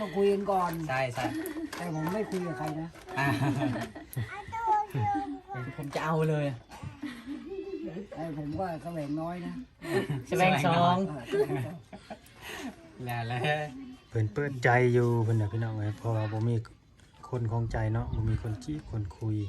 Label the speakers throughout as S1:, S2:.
S1: ต้องคุยกันก่อน
S2: ใช่
S1: แต่ผมไม่คุยกับใครนะ
S2: ผมจะเอาเลย
S1: แต่ผมก็แสวงน้อยนะ
S2: แสวงสองแล้ว
S3: เพิ่นเปิดใจอยู่เพิ่นน่ะพี่น้องเอ้ยเพราะว่าบ่มีคนของใจเนาะบ่มีคนจีบคนคุย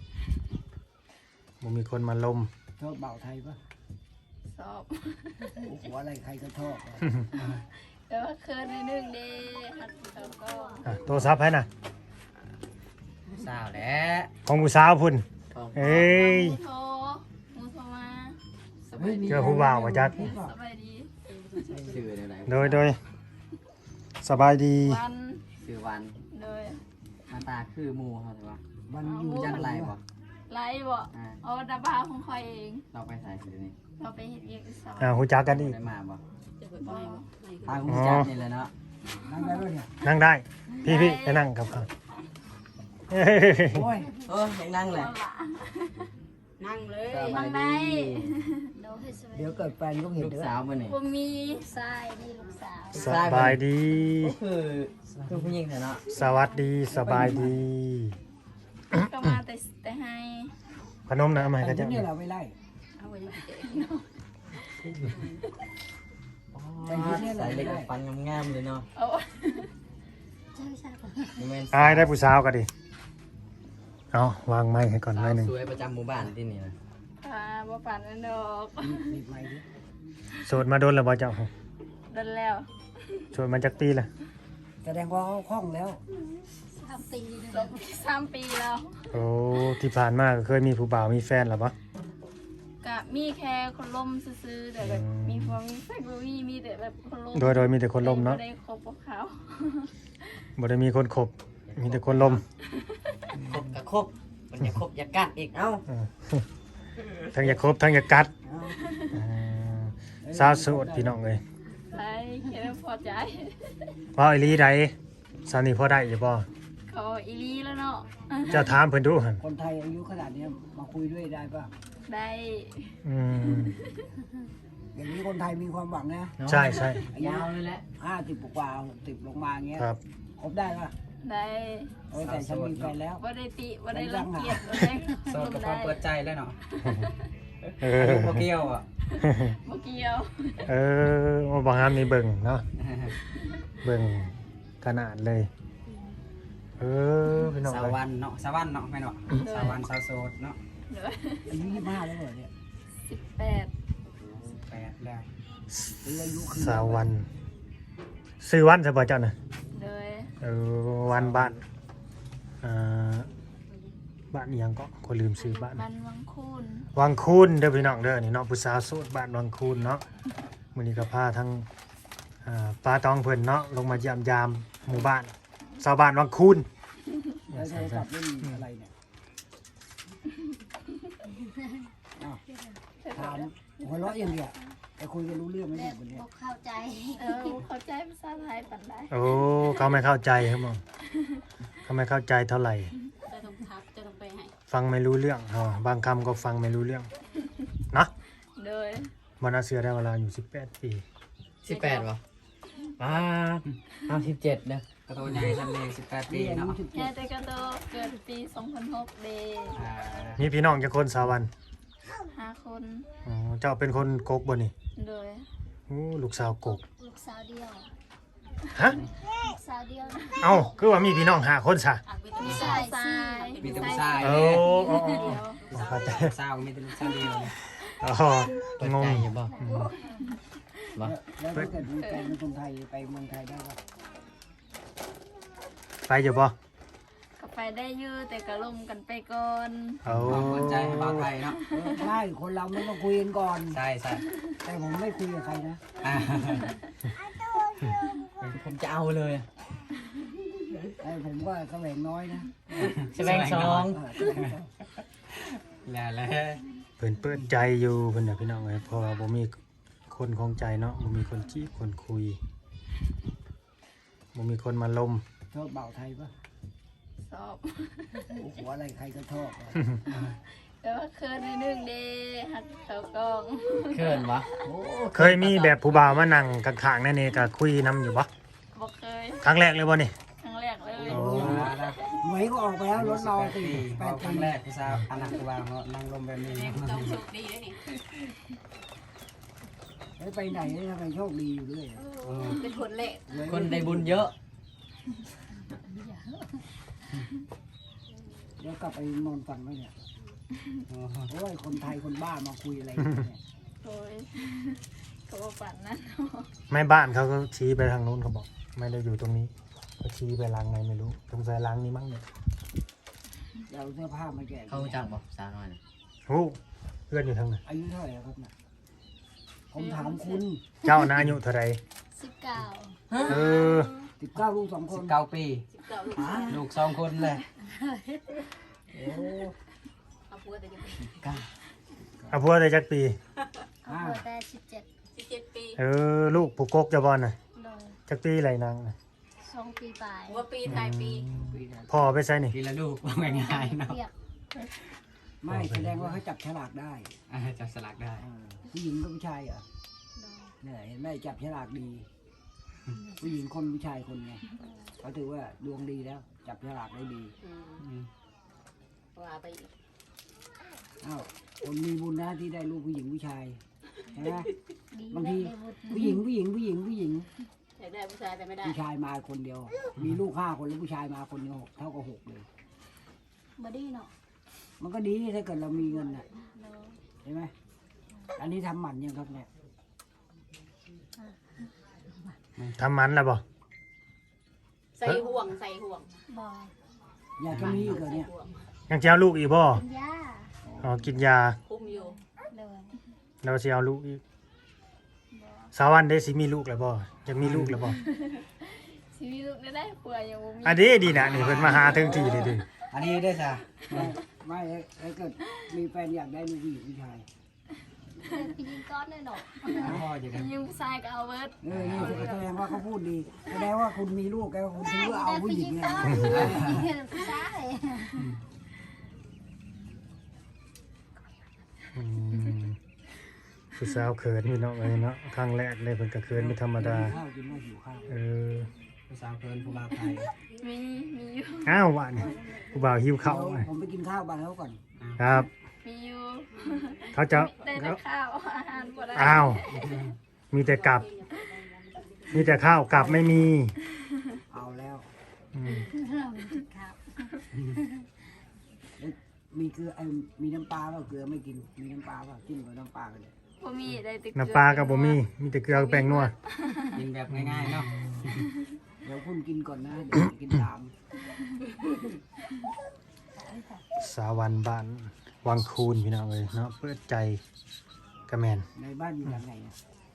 S3: บ่มีคนมาลม
S1: ชอบเบาไทยปะ
S4: ชอบ
S1: หัวอะไรใครก็ชอบ
S4: แต่ว่าเคินในหนึ่งเด้หัดเขาก็
S3: โทรศัพท์ให้น่ะ
S2: สาวแล้ว
S3: ของผู้สาวพุ่นเอ้ย
S4: มูโทรมา
S3: เจอผู้บ่าวว่าจัก
S4: สบายดี
S2: ชื่ออะไร
S3: โดยสบายดี
S4: วัน
S2: ชื่อวัน
S4: โดย
S2: หน้าตาคือหมูเขาใช่ปะ
S1: มันอยู่
S2: จังไรบ่
S4: ไลฟ์บ่เอาดับบาของคอยเอง
S2: เราไปใส่คือนี่
S4: เราไปเห็นเอกสาร
S3: ฮู้จักกันอีก
S2: ได้มาบ่ทางฮู้จักนี่แหละเนาะ
S1: นั่งได้ด้วยเนี่ย
S3: นั่งได้พี่ไปนั่งกับเขา
S1: โอ้ย
S2: ยังนั่งเลย
S4: นั่งเลยนั่งได้
S1: เดี๋ยวเกิดแฟนก็เห็น
S2: ลูกสาวมาเนี่ย
S4: ผมมีทรายดีลูกสาว
S3: สบายดี
S2: คือผู้หญิงเนาะ
S3: สวัสดีสบายดี
S4: ก็มาแต่ให้
S3: ขนมนะมาให้กันจ้ะ
S1: นี่เราไม่ไล่
S4: เอาไว้
S2: ใส่เล็กฟันงามๆเลยเนาะ
S3: ได้ผู้สาวก็ดิเอาวางไม้ให้ก่อนไม้หนึ่ง
S2: สวยประจำหมู่บ้านที่นี่นะ
S4: บ่ปั่นนั่นดอก
S3: โสดมาโดนแล้วบ่เจ้า
S4: โดนแล้ว
S3: โสดมาจากปีละ
S1: แสดงว่าเขาคล่องแล้ว
S4: 3 ปีแล้ว
S3: โอ้ที่ผ่านมาเคยมีผู้บ่าวมีแฟนหรอปะ
S4: ก็มีแค่คนล่มซื่อๆแต่แบบมีพวกมีแฟนบ่มีแต่แบบคนล่ม
S3: โดยมีแต่คนล่มเนาะ
S4: บ่ได้คบกับเขา
S3: บ่ได้มีคนคบมีแต่คนล่ม
S2: คบกับคบมันอย่าคบอย่ากัดอีกเอ้า
S3: ทั้งอย่าคบทั้งอย่ากัดสาวโสดพี่น้องเอ้ย
S4: ใช่แค่พอใจ
S3: ว่าอีหลีใดสาวนี่พอได้อยู่บ่
S4: เขาอีหลีแล้วเนาะ
S3: จะถามเพิ่นดูหั่น
S1: คนไทยอายุขนาดนี้มาคุยด้วยได้ป่ะ
S4: ได้
S1: อย่างนี้คนไทยมีความหวังนะ
S3: ใช่
S2: ยาวเลยแหละ
S1: 50 กว่า60ลงมาเงี้ย
S3: ครับ
S1: ครบได้ป่ะ
S4: ได้
S1: แต่ฉันมีแฟนแล้ว
S4: บ่ได้ติบ่ได้รังเกียจบ่ได้
S2: โสดกับความเปิดใจแล้วเนาะบ่เกี่ยวอ่ะ
S4: บ่เกี่ยว
S3: ว่าบางงานมีเบิ่งเนาะเบิ่งขนาดเลยพี่น้อง
S2: สวรรค์เนาะสวรรค์เนาะแม่เนาะสวรรค์สาวโสดเนาะ
S1: อายุ25แล้วเหรอเนี่ย
S4: 18
S2: แล้ว
S3: สาววันซื้อวันใช่ป่ะเจ้าน่ะวันบ้านบ้านยังก็คนลืมซื้อบ้าน
S4: วัง
S3: คูนเด้อพี่น้องเด้อนี่เนาะผู้สาวโสดบ้านวังคูนเนาะมื้อนี้ก็พาทั้งป้าตองเพิ่นเนาะลงมาเยี่ยมยามหมู่บ้านชาวบ้านวังคูน
S1: แล้วโทรศัพท์ไม่มีอะไรเนี่ยถามหัวเราะอย่างเดียวแต่คุยกันรู้เรื่องไหมเนี่ยวันนี้
S4: เข้าใจเข้าใจภาษาไทยปานใด
S3: เขาไม่เข้าใจครับมึงเขาไม่เข้าใจเท่าไหร่
S4: จะต้องไปให้
S3: ฟังไม่รู้เรื่องบางคำก็ฟังไม่รู้เรื่องนะ
S4: โดย
S3: มันน่าเชื่อได้เวลาอยู่18 ปี
S2: 18ป่ะ17เด้อกระโดดใหญ่ทำเลย18 ปีเนาะ
S4: แค่แต่กระโดดเกิดปี2006เด้
S3: มีพี่น้องกี่คนสาวัน
S4: 5 คน
S3: เจ้าเป็นคนกกบ่นี่
S4: โดย
S3: ลูกสาวกก
S4: ลูกสาวเดียว
S3: ฮะ
S4: ลูกสาวเดียว
S3: คือว่ามีพี่น้อง5 คนซะ
S4: มีชาย
S2: มีแต่ผู้ชาย
S3: เข้าใจ
S2: สาวมีแต่ลูกสาวเดียว
S3: งง
S2: อยู่บ่
S1: แล้วถ้าเกิดมีแฟนเป็นคนไทยไปเมืองไทยได้ป่ะ
S3: ไปอยู่ป่ะ
S4: ก็ไปได้อยู่แต่ก็ลงกันไปก่อน
S2: เปิดใจให้บ่าวไทยเนาะ
S1: ใช่คนเราไม่ต้องคุยกันก่อน
S2: ใช่
S1: แต่ผมไม่คุยกับใครนะ
S2: ผมจะเอาเลย
S1: แต่ผมก็แสวงน้อยนะ
S2: แสวงสองแล้ว
S3: เพิ่นเปิดใจอยู่เพิ่นน่ะพี่น้องเอ้ยเพราะว่าบ่มีคนของใจเนาะบ่มีคนจีบคนคุยบ่มีคนมาลม
S1: ชอบเบาไทยป่ะ
S4: ชอบ
S1: หัวอะไรใครก็ชอบ
S4: แต่ว่าเคินในหนึ่งเด้หัดเขากอง
S2: เคินวะ
S3: เคยมีแบบผู้บ่าวมานั่งข้างๆนั่นเองก็คุยนำอยู่ปะ
S4: บ่เค
S3: ครั้งแรกเลยบ่นี่
S4: ครั้งแรกเลย
S3: โอ้
S1: หวยก็ออกไปแล้วรถรอสี่
S2: พอครั้งแรกผู้สาวอันนั้นคือว่าเนาะนั่งลมแบบนี้
S5: ต้องสุขดีเลยนี่
S1: ไปไหนทำไมโชคดีอยู่ด้วย
S5: เป็นคนเละ
S2: คนได้บุญเยอะ
S1: เดี๋ยวกลับไปนอนฟังไว้เนี่ยโอ้ยคนไทยคนบ้ามาคุยอะไรเนี่ย
S4: โอ้ยเขาบอกฝันนั้น
S3: แม่บ้านเขาก็ชี้ไปทางนู้นเขาบอก ไม่ได้อยู่ตรงนี้ก็ชี้ไปล้างไหนไม่รู้ตรงสายล้างนี้มั้งเนี่ย
S1: เอาเสื้อผ้ามาแจก
S2: เขาจักบ่สาวน้อย
S3: โอ้เพื่อนอยู่ทางไหน
S1: อายุเท่าไหร่ครับเนี่ยผมถามคุณ
S3: เจ้านาอายุเท่าไร
S4: 19
S3: เออ
S1: 19 ลูก 2 คน
S2: 19 ปี
S5: 19 ลูก
S2: ลูก2คนเลย
S1: โอ้
S5: เอาผัวแต่ยัง
S3: เอาพัวได้จักปี
S1: ห้า
S5: 17 ปี
S3: เออลูกผูกกกจะบอลน่ะ
S4: โดย
S3: จักปีไรนางน่ะ
S4: 2 ปีปลาย
S5: หัวปีท้ายปี
S1: ปีนะ
S3: พ่อไปใส่นี่
S2: ทีละลูกว่าง่ายๆเนาะ
S4: เรียก
S1: ไม่แสดงว่าเขาจับฉลากได้
S2: จับสลักได้
S1: ผู้หญิงกับผู้ชายเหรอเนี่ยเห็นไหมจับฉลากดี ผู้หญิงคนผู้ชายคนไงเขาถือว่าดวงดีแล้ว จับฉลากได้ดี
S5: ว่าไปอีก
S1: อ้าวคนมีบุญนะที่ได้ลูกผู้หญิงผู้ชายเห็นไหม
S4: ดี
S1: บางที
S4: ได้บุญ
S1: ผู้หญิงผู้หญิงผู้หญิงผู้หญิง
S5: อยากได้ผู้ชายแต่ไม่ได้
S1: ผู้ชายมาคนเดียว มีลูก5 คนแล้วผู้ชายมาคนเดียวเท่ากับ6เลย
S4: บ่ดีเนาะ
S1: มันก็ดีถ้าเกิดเรามีเงินน่ะ
S4: โดย
S1: เห็นไหมอันนี้ทำหมันยังครับเนี่ย
S3: ทำมันแล้วบ่
S5: ใส่ห่วงใส่ห่วง
S4: บ่
S1: อยากจะมีอีกเหรอเนี่ย
S5: ห่วง
S3: ยังจะเอาลูกอีกบ่
S4: เป็นย่า
S3: อ๋อกินยา
S5: คุมอยู่
S4: โดย
S3: เราสิเอาลูกอีกสาววันได้สิมีลูกแล้วบ่อยากมีลูกแล้วบ่
S4: ชีวิตได้ป่วยยังบ่มี
S3: อันนี้ดีนะนี่เพิ่นมาหาถึงที่เลยดิ
S2: อันนี้ได้จ้ะ
S1: ไม่ถ้าเกิดมีแฟนอยากได้ลูกผู้หญิงผู้ชาย
S4: เป็นยิงก้อนเลยเนาะ
S2: พ่อจะได้
S4: ยิงผู้ชายก็เอาเบิด
S1: นี่แสดงว่าเขาพูดดีแสดงว่าคุณมีลูกแล้วคุณถือว่าเอาผู้หญิงไง
S4: ผู้ชาย
S3: อืมผู้สาวเขินพี่น้องเอ้ยเนาะครั้งแรกเลยเพิ่นก็เขินไม่ธรรมดา
S1: ข้าวกินว่าหิวข้าว
S3: เออ
S2: ผู้สาวเพิ่นผู้บ่าวไทย
S4: มีอยู่
S3: อ้าวหวานผู้บ่าวหิวข้าว
S1: เดี๋ยวผมไปกินข้าวบ้านเขาก่อน
S3: ครับ
S4: มีอยู่
S3: เขาจะ
S4: ได้แต่ข้าวอาหารบ่ได้
S3: อ้าว มีแต่กลับ มีแต่ข้าวกลับไม่มี
S1: เอาแล้ว
S3: อืม
S4: ครับ
S1: มีเกลือมีน้ำปลาเปล่าเกลือไม่กินมีน้ำปลาเปล่าจิ้มกับน้ำปลากันเลย
S4: บ่มีได้แต่
S3: น้ำปลากับบ่มี มีแต่เกลือกับแป้งนัว
S2: กินแบบง่ายๆเนาะ
S1: เดี๋ยวคุณกินก่อนนะเดี๋ยวจะกินตาม
S3: สาวันบ้านวังคูนพี่น้องเลยเนาะเปิดใจกระแมน
S1: ในบ้านอยู่หลังไหนอะ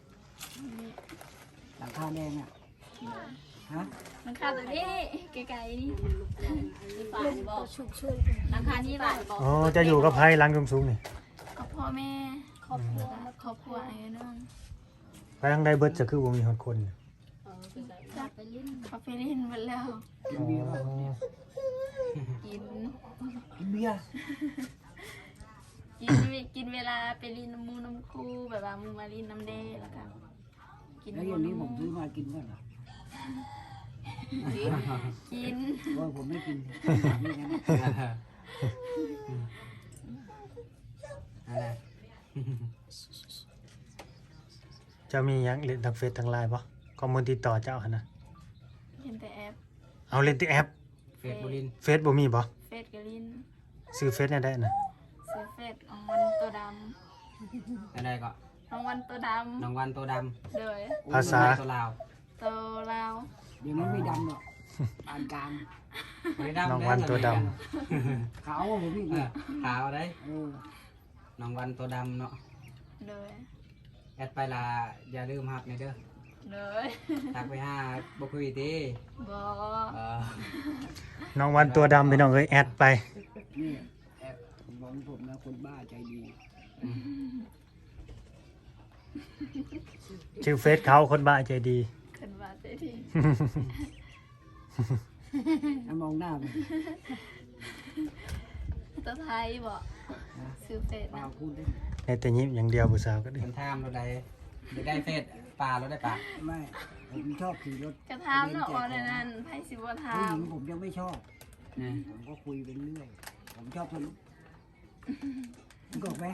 S1: หลังคาแดงอ่ะฮะ
S4: มันข้าวตัวนี้ไกลๆนี่
S5: มีฝ่ายบอก
S4: ชุก
S5: ราคานี้ฝ่ายบอก
S3: อ๋อจะอยู่กับไพ่ล้างสูงๆนี่
S4: กับพ่อแม่ครอบครัวไอ้น้อง
S3: ไปทางใดเบิดจะคือบ่มีคนคนเนี่ย
S5: คือใส่
S4: จับไปลิ้นเขาไปลิ้นหมดแล้ว
S1: กินเบียร์เปล่าเนี่ย
S4: กิน
S1: กินเบียร์
S4: กินเวลาไปลิ้นน้ำมูน้ำคูแบบว่ามูมาลิ้นน้ำเดแล้วก็กิน
S1: แล้วอย่างนี้ผมซื้อมากินก่อนเหรอ
S4: กิน
S1: ว่าผมไม่กินนี่นะ
S2: อะไร
S3: จะมีหยังเล่นทางเฟซทางไลน์บ่ข้อมูลติดต่อเจ้าหั่นนะ
S4: เห็นแต่แอป
S3: เอาเล่นที่แอป
S2: เฟซบุรินทร์
S3: เฟซบ่มีบ่
S4: เฟซกับลิ้น
S3: ซื้อเฟซเนี่ยได้น่ะ
S4: เซเฟซรางวัลตัวด
S2: อะไรก็
S4: ำรางวัลตัวด
S2: น้องวันตัวด
S4: ำเลย
S3: ภาษา
S2: ตัวลาว
S4: ตัวลาว
S1: เดี๋ยวนี้ไม่ดำหรอกปานกลาง
S2: ไม่ดำ
S3: น้องวันตัวด
S1: ขาวกว่าผมอีก
S2: เอ
S1: เนี่
S2: อย ขาวได้
S1: เออ
S2: น้องวันตัวดำเนาะ
S4: เลย
S2: แอดไปละอย่าลืมหักในเด้อ
S4: เลย
S2: ทักไปหาบ่คุยติ
S4: บอ
S2: เออ
S3: น้องวันตัวดำพี่น้องเอ้ยแอดไป
S1: นี่แอบบอกผมนะคนบ้าใจดี
S3: ชื่อเฟซเขาคนบ้าใจดี
S4: ขึ้นมาเสียที
S1: ถ้ามองหน้าผม
S4: ตัวไทยบอกซื้อเฟซ
S1: เปล่า
S4: นะ
S1: พูดได้
S3: ในแต่ยิ้มอย่างเดียวผู้สาวก็ดี
S2: คนทามเราได้ได้เฟซปลาเราได้ปลา
S1: ไม่ผมชอบขี่รถ
S4: กระทำเนาะว่าในนั้นไผสิบ่ถา
S1: ผู้ห
S4: ม
S1: ญิงผมยังไม่ชอบ
S2: นะ
S1: ผมก็คุยไปเรื่อยผมชอบสนุกมึงกไหม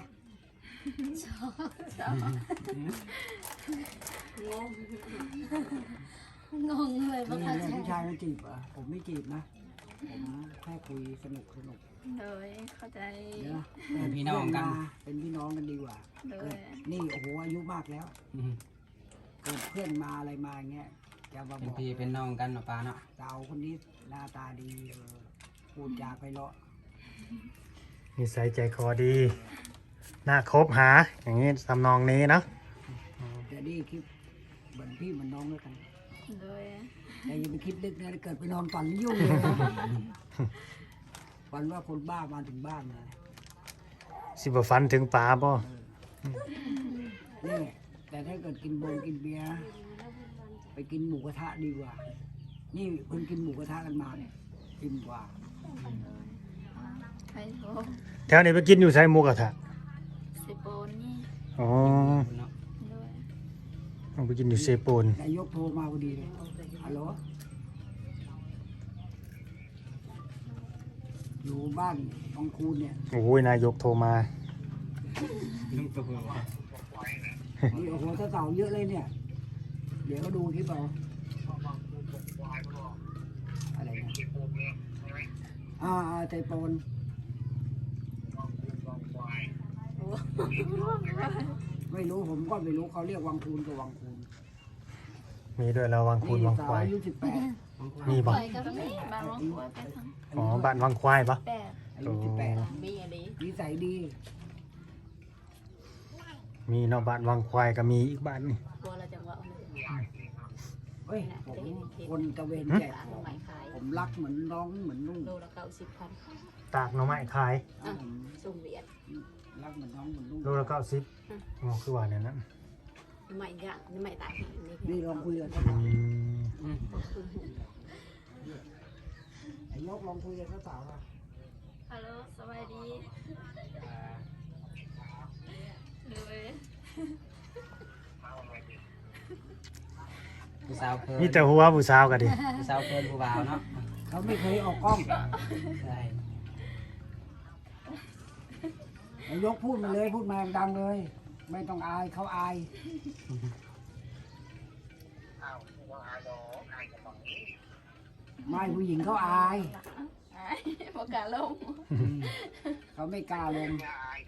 S5: งงเลย
S1: นี่
S5: ว่าเขา
S1: เรื่อง
S5: จะ
S1: ผู้ชายมาจีบเหรอ่ะผมไม่จีบนะผมแค่คุยสนุก
S4: โดยเข้าใจ
S1: เดี๋ยวนะ
S2: เป็นพี่น้องกัน
S1: เป็นพี่น้องกันดีกว่า
S4: โด
S1: เกิ
S4: ย
S1: ดนี่โอ้โหอายุมากแล้ว
S2: อืม
S1: เกิดเพื่อนมาอะไรมาเงี้ยจะมา
S2: เป็น
S1: บอก
S2: พี่เป็นน้องกันเนาะป้าเนาะ
S1: สาวคนนี้หน้าตาดีพูดจาไพเราะ
S3: นิสัยใจคอดีน่าคบหาอย่างนี้ทำนองนี้เนาะ
S1: แต่นี่คิดเหมือนพี่เหมือนน้องแล้วกัน
S4: โดย
S1: แต่อย่าไปคิดลึกนะเกิดไปนอนฝันยุ่งเลย ฝันว่าคนบ้ามาถึงบ้านเลย
S3: สิบฟันถึงปลาบ่
S1: นี่แต่ถ้าเกิดกินเบียร์ไปกินหมูกระทะดีกว่า นี่เพิ่งกินหมูกระทะกันมาเนี่ยกินกว่า
S4: ไผโทร
S3: แถวนี้ไปกินอยู่ไสหมูกระทะ
S4: สิโปนนี่
S3: อ๋อ
S2: เนาะ
S4: โดย
S3: เอาไปกินอยู่เซโปน
S1: นายกโทรมาพอดีเลยฮัลโหลอยู่บ้านบางคูนเนี่ย
S3: โอ้ยนายกโทรมา
S1: นี่โอ้โหเสาเยอะเลยเนี่ย เดี๋ยวก็ดูคลิปเอาอะไรนะไทยปนไม่รู้ผมก็ไม่รู้เขาเรียกวังคูนกับวังคูน
S3: มีด้วยแล้ววังคูนวัง
S1: สา
S3: คววาย
S1: อายุ18
S3: มีบ่
S5: ปล่อยกับ
S4: ตรง
S5: นี่
S4: นี้บ้านหลวงปู่ไปทาง
S3: อ๋อบ้านวังควายปะ
S4: แปด
S1: อายุ18
S5: มีอะไร
S1: นิสัยดี
S3: มีเนาะบ้านวังควายก็มีอีกบ้านนี่
S5: กลัวเราจะว่า
S1: เฮ้ยผมคนตะเวนแจกของ
S5: ใหม่ขาย
S1: ผมรักเหมือนน้องเหมือนนุ่ง
S5: โลละ90,000
S3: ตากหน่อไม้ขาย
S1: ผม
S5: ส่งเวียด
S1: รักเหมือนน้องเหมือนนุ่ง
S3: โลละ90อ๋อคือว่าเนี่ยนะ
S5: ใหม่ย่างใหม่ตาย
S1: นี่ลองคุยกับเขา
S3: อืม
S1: ไอ้ยกลองคุยกับเขาสาวอ่ะ
S4: ฮัลโหลสวัสดีโดย
S2: ผู้สาวเพิ่น
S3: มีแต่หัวผู้สาวก็ดิ
S2: ผู้สาวเพิ่นผู้บ่าวเนาะ
S1: เขาไม่เคยออกกล้อง
S2: ใช่
S1: ไอ้ยกพูดมาเลยพูดมาดังเลย ไม่ต้องอายเขาอายไม่ผู้หญิงเขาอาย
S4: ประกาศลง
S1: เขาไม่กล้าลง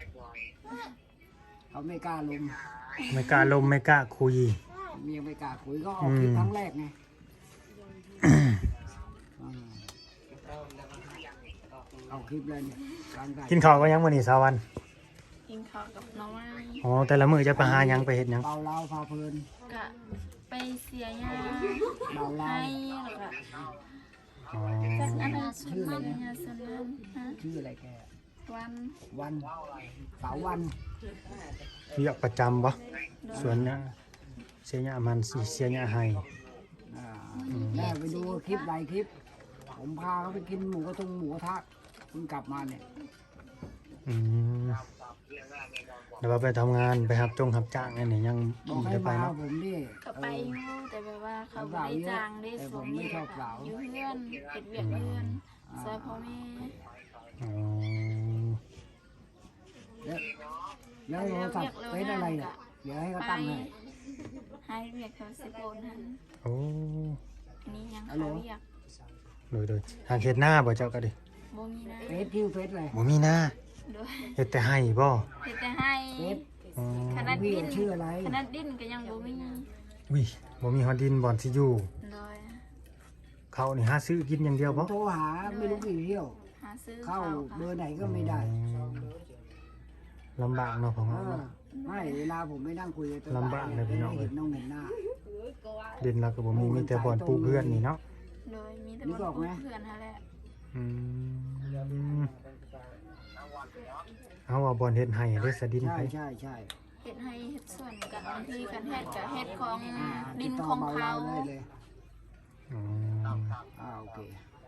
S1: เขาไม่กล้าลง
S3: ไม่กล้าลมไม่กล้าคุย
S1: เมียไม่กล้าคุยก็ออกคลิปครั้งแรกไงเอาคลิปเลยเนี่ยกลางใจ
S3: กินข้าวก็ยังมื้อนี้สาวัน
S4: กินข้าวกับหน้องไม้
S3: อ๋อแต่ละมื้อจะไปหาหยังไปเฮ็ดหยัง
S1: เบาเล่าพาเพลิน
S4: กะไปเสียยา
S1: เบาเล่า
S4: ให้แล้วก็
S3: อ๋อ
S4: จากอันนั้นชื่ออะไรยาสนั้นฮะ
S1: ชื่ออะไรแก
S4: วัน
S1: วันสาววัน
S3: เรียกประจำบ่ส่วนเนี่ยเสียหญ้ามันสิเสียหญ้าให้
S1: แม่ไปดูคลิปหลายคลิป ผมพาเขาไปกินหมูกระทะเพิ่งกลับมาเนี่ย
S3: อืมเดี๋ยวว่าไปทำงานไปรับจ้างอันนี้ยัง
S1: บอกให้
S3: จะไป
S1: มา
S3: เนาะ
S1: ผมดิ
S4: ก็ไปอยู่แต่แบบว่าเขาบ่ได้จ้างได้ส่งเรียกอะอยู่เพื่อนเฮ็ดเวียกเพื่อนซอยพ่อแม่
S3: อ๋อ
S1: แล้วโทรศัพท์เป็นอะไรเนี่ยเดี๋ยวให้เขา
S4: ไป
S1: ตั้งให้
S4: ให้เวียกเขาสิโอนหัน
S3: โอ้
S4: อันนี้ยัง
S1: ฮัลโหล
S4: เขาเวียก
S3: โดยทางเฮ็ดหน้าบ่เจ้าก็ดิ
S4: บ่มีนะ
S1: เฟซชื่อเฟซอะไร
S3: บ่มีหน้า
S4: โดย
S3: เฮ็ดแต่ให้บ่
S4: เฮ็ดแต่ให้
S1: เฟซ
S3: อ๋อ
S4: ขนาด
S1: พี่
S4: ดิน
S1: ชื่ออะไร
S4: ขนาดดินก็ยังบ่มี
S3: วิบ่มีฮอดดินบ่อนสิอยู่
S4: โดย
S3: เขานี่หาซื้อกินอย่างเดียว
S1: ผ
S3: บ่
S1: มโทรหาไม่รู้กี่เที่ยว
S4: หาซื้อ
S1: เข้า
S4: ข้าว
S1: เบอ
S4: ค่ะ
S1: ร์ไหนก็ไม่ได้
S3: ลำบากเนาะพ่อ
S1: เอ
S3: เนาะ
S1: อไม่เวลาผมไม่นั่งคุยกับตัว
S3: ลำบากเลยพี่น้อง
S1: เห็นน้องเห็นหน้า
S3: ดินเราก็บ่มีแต่บ่อนปลูกเพื่อนนี่เนาะ
S4: โดยมีแต่
S1: นึ
S4: บ่
S1: กออกไหม
S4: เพื่อนหาแหละ
S3: อืมเอาว่าบ่อนเฮ็ดให้เด้อสะดิน
S1: ใช่
S3: ไป
S1: ใช่ใช่
S4: เฮ็ดให้เฮ็ดส่วนกับบางทีกันเฮ็ดกับเฮ็ดของ
S1: ติ
S4: ดิ
S1: ด
S4: น
S1: ต่อ
S4: ของ
S1: เบา
S4: เขา
S1: เราได้เลย
S3: อ๋อ
S1: โอเค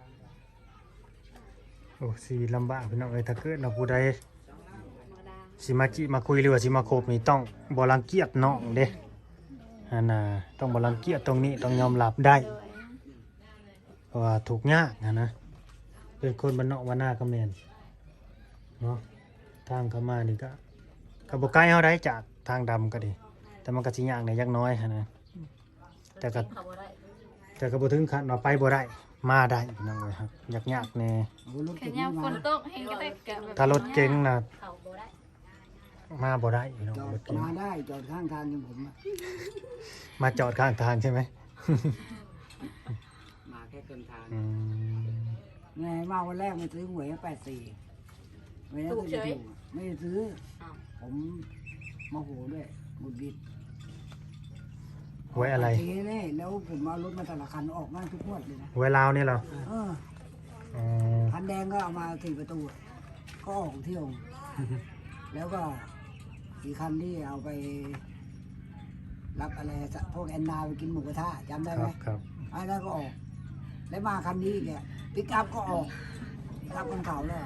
S3: โอ้สิลำบากพี่น้องเอ้ยถ้าเกิดเราผู้ใดสิมาจิมาคุยหรือว่าสิมาคบนี่ต้องบ่รังเกียจน้องเด้อันน่ะต้องบ่รังเกียจตรงนี้ต้องยอมรับได้
S4: โดย
S3: เพราะว่าถูกยากนะเป็นคนบ้านนอกบ้านนาก็แม่นเนาะทางเข้ามานี่ก็บ่ไกลเฮาได้จากทางดำก็ดีแต่มันก็สิยากในยักน้อยหันนะแต่ก็
S5: เขาบ่ได้
S3: แต่ก็บ่ถึงขั้นว่าไปบ่ได้มาได้พี่น้องเอ้ยครับยากๆแน่
S1: โอ้รถ
S4: แค่
S1: เก๋ง
S4: ยามฝ
S1: มาน
S4: ตกให้ก็ได้กะแบบ
S3: ถ้ารถเก๋งน่ะ
S5: เขาบ่ได้
S3: มาบ่ได้พี่น้อง
S1: จอ
S3: ร
S1: ด
S3: ถเก๋ง
S1: มาได้จอดข้างทางอย่างผมอะ
S3: มาจอดข้างทางใช่ไหม
S2: มาแค่เกินทาง
S3: อืม
S1: แม่มาวันแรกไม่ซื้อหวย84ไม่ได้ก็จะถูกไม่ได้ซื้อ
S5: อ้าว
S1: ผมโมโหด้วยหงุดหงิด
S3: ไว้อะไร
S1: ทีนี้แล้วผมเอารถมาแต่ละคันออกมาทุกงวดเลยนะ
S3: ไว้ลาวนี่เหรอ
S1: เออ
S3: อ๋อ
S1: คันแดงก็เอามา4 ประตูก็ออกเที่ยว แล้วก็อีกคันที่เอาไปรับอะไรพวกแอนนาไปกินหมูกระทะจำได้
S3: ค
S1: ไหม
S3: รับครับ
S1: อันนั้นก็ออก แล้วมาคันนี้อีกเนี่ยปิกอัพก็ออกปิกอัพคนเขาแล้ว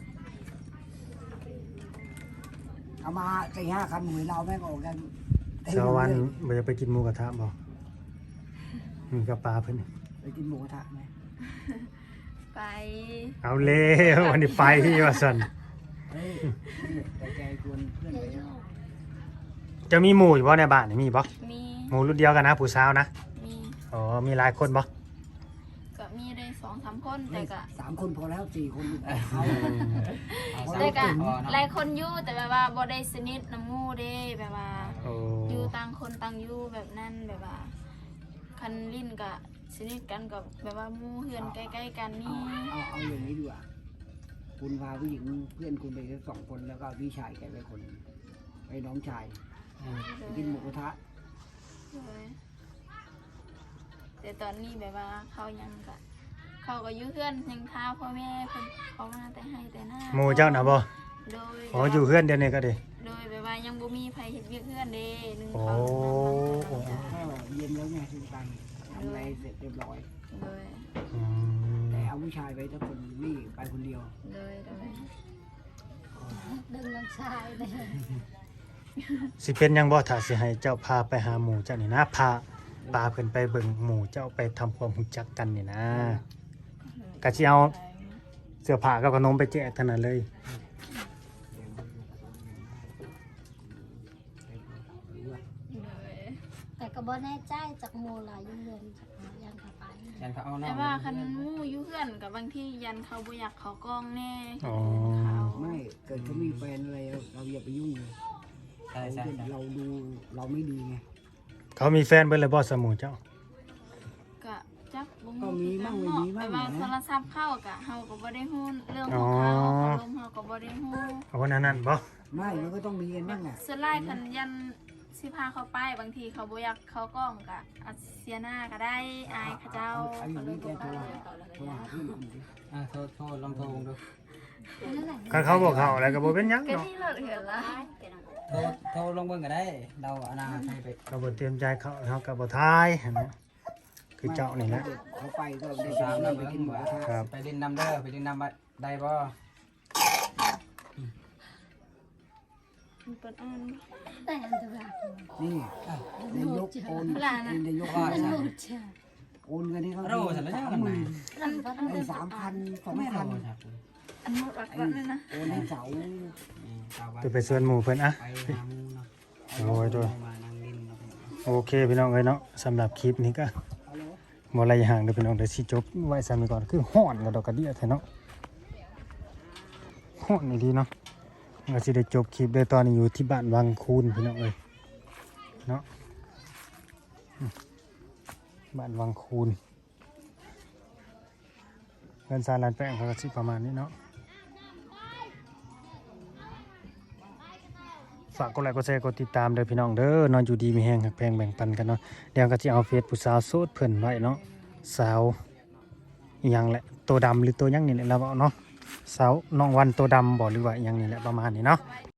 S1: เอามา4-5 คันหวยเราแม่งออกกันเต็ม
S3: เช้าวัน
S1: เลย
S3: บ่จะไปกินหมูกระทะบ่มีกับปลาเพิ่น
S1: ไปกินหมูกระทะไหม
S4: ไป
S3: เอาเลยวันนี้ไปว่าซั่น
S1: เฮ้ยนี่แต่ใจกวนเพื่อนไปแล้ว
S3: จะมีหมู่อยู่บ่ในบ้านนี่มีบ่
S4: มี
S3: หมู่รุ่นเดียวกันนะผู้สาวนะ
S4: มี
S3: อ๋อมีหลายคนบ่
S4: ก็มีได้2-3 คนแต่ก็
S1: 3 คนพอแล้ว4 คนอยู่เขา
S2: เอา
S1: เอา
S2: สาม
S4: แต่ก็
S2: คนพอเนาะ
S4: หลายคนอยู่แต่แบบว่าบ่ได้สนิทน้ำหมู่เด้แบบว่า
S3: โอ้
S4: อยู่ต่างคนต่างอยู่แบบนั้นแบบว่าคันลิ้นก็สนิทกันกับแบบว่าหมู่เฮือนใกล้ๆกันนี่
S1: เอาอย่างนี้ดีกว่าคุณพาผู้หญิงเพื่อนคุณไปแค่2 คนแล้วก็พี่ชายแกไปคนหนึ่งไปน้องชายไปกินหมูกระทะ
S4: เลยแต่ตอนนี้แบบว่าเขายังก็เขาก็อยู่เฮือนยังท้าพ่อแม่เพิ่นเขามาแต่ให้แต่หน้า
S3: หมู่เจ้าน่ะบ่
S4: โดย
S3: อ๋ออยู่เฮือนเดียวนี่ก็ดี
S4: โดยแบบว่ายังบ่มีไผเฮ็ดเวียกเฮือนเด้นึง
S3: โอ้
S4: เขา
S1: ก็เย็นแล้วไงทุกตันทำอะไรเสร็จเรียบร้อย
S4: โดย
S3: อืม
S1: แต่เอาผู้ชายไปถ้าคนนี่ไปคนเดียว
S4: โดย
S5: ดึงน้องชายเลย
S3: สิเป็นหยังบ่ถ้าสิให้เจ้าพาไปหาหมู่เจ้านี่นะพาปลาเพิ่นไปเบิ่งหมู่เจ้าไปทำความรู้จักกันนี่นะก็สิเอาเสื้อผ้ากับขนมไปแจกเท่านั้นเลย
S5: แต่ก็บ่แน่ใจจากโมลาอยู่เรือนจากหายันเข้าไป
S2: ยันเขาเอาเนาะ
S4: แต่ว่าคันหมู่อยู่เฮือนกับบางทียันเขาบ่อยากเขากล้องแน่
S3: อ๋อ
S4: เขา
S1: ไม่เกิดเขามีแฟนอะไรเราอย่าไปยุ่งเลย
S2: ใช่ใช่ใช่
S1: เราดูเราไม่ดีไง
S3: เขามีแฟนเบิ่เลยบ่สหมู่เจ้า
S4: ก็จักบ่
S1: ก็มีมั่งไม่มีมั่
S4: แต่
S1: ง
S4: ว่า
S1: นะ
S4: โทรศัพท์เข้าก็เฮาก็บ่ได้ฮู้เรื่องของเขาอารมณ์เฮาก็บ่ได้ฮู้
S3: เอาวันนั้นบ่
S1: ไม่มันก็ต้องมีกันบ้างอ่ะ
S4: ส่วนหลายคันยันสิพาเขาไปบางทีเขาบ่อยากเขากล้องก็อาจเสียหน้าก็ได้อายเขาเจ้า
S1: เอาอย่างนี้แกโทรหาเพื่อนผมสิ
S2: โทษลองโทรดู
S3: คันเขาบอกเขาอะไรก็บ่เป็นหยัง
S4: ก็
S3: เนาะ
S4: ที่รถเห็นละ
S2: โทรลงเบิ่งก็ได้เราเอาหน้าให้ไป
S3: ก็บ่เตรียมใจเขาเขาก็บ่ทายหั่นนะคือเจ้านี่แหละ
S1: เขาไปก็ได้
S2: ตาม
S1: ไป
S2: เรา
S1: ไป
S2: ไป
S1: กิ
S2: กิ
S1: น
S2: น
S1: ห
S2: ห
S1: มู
S2: มู
S1: กระทะ
S3: ครับ
S2: ไปดินน้ำเด้อไปดินน้ำได้บ่
S4: มันเป็นอัน
S5: แต่อันตราย
S1: นี่นายกโอนนายก
S2: ว่า
S1: โอน
S2: ใช่
S5: ลูกเชื่อ
S1: โอนเงินให้เขา
S2: โร่ฉันแล้วยังทำไม
S5: นั่นก็ต้อง
S1: ไอ้
S5: เป็น
S1: 3,000
S2: ไม่โทร
S1: 2,000
S2: ครับ
S4: อันหมดรักกันเลยนะ
S1: โอนให้เสา
S3: จะไปชวนหมู่เพิ่นอะ
S2: ไปหาหมูเนาะ
S3: โอ้ยโดย
S2: มานั่งดินเนาะ
S3: โอเคพี่น้องเอ้ยเนาะสำหรับคลิปนี้ก็บ่อะไรห่างเด้อพี่น้องเดี๋ยวสิจบไว้ซ้ำนี้ก่อนคือฮ้อนกระดอกกระเดี้ยแท้เนาะฮ้อนนี่ดีเนาะก็สิได้จบคลิปด้วยตอนนี้อยู่ที่บ้านวังคูนพี่น้องเอ้ยเนาะบ้านวังคูนเงินซาลานแป้งเขาก็สิประมาณนี้เนาะฝากกดไลค์กดแชร์กดติดตามเด้อพี่น้องเด้อนอนอยู่ดีมีแฮงหักแพงแบ่งปันกันเนาะเดี๋ยวก็สิเอาเฟซผู้สาวโสดเพิ่นไว้เนาะสาวอีหยังแหละตัวดำหรือตัวหยังนี่แหละเราเอาเนาะสาวน้องวันตัวดำบ่หรือว่าอีหยังนี่แหละประมาณนี้เนาะ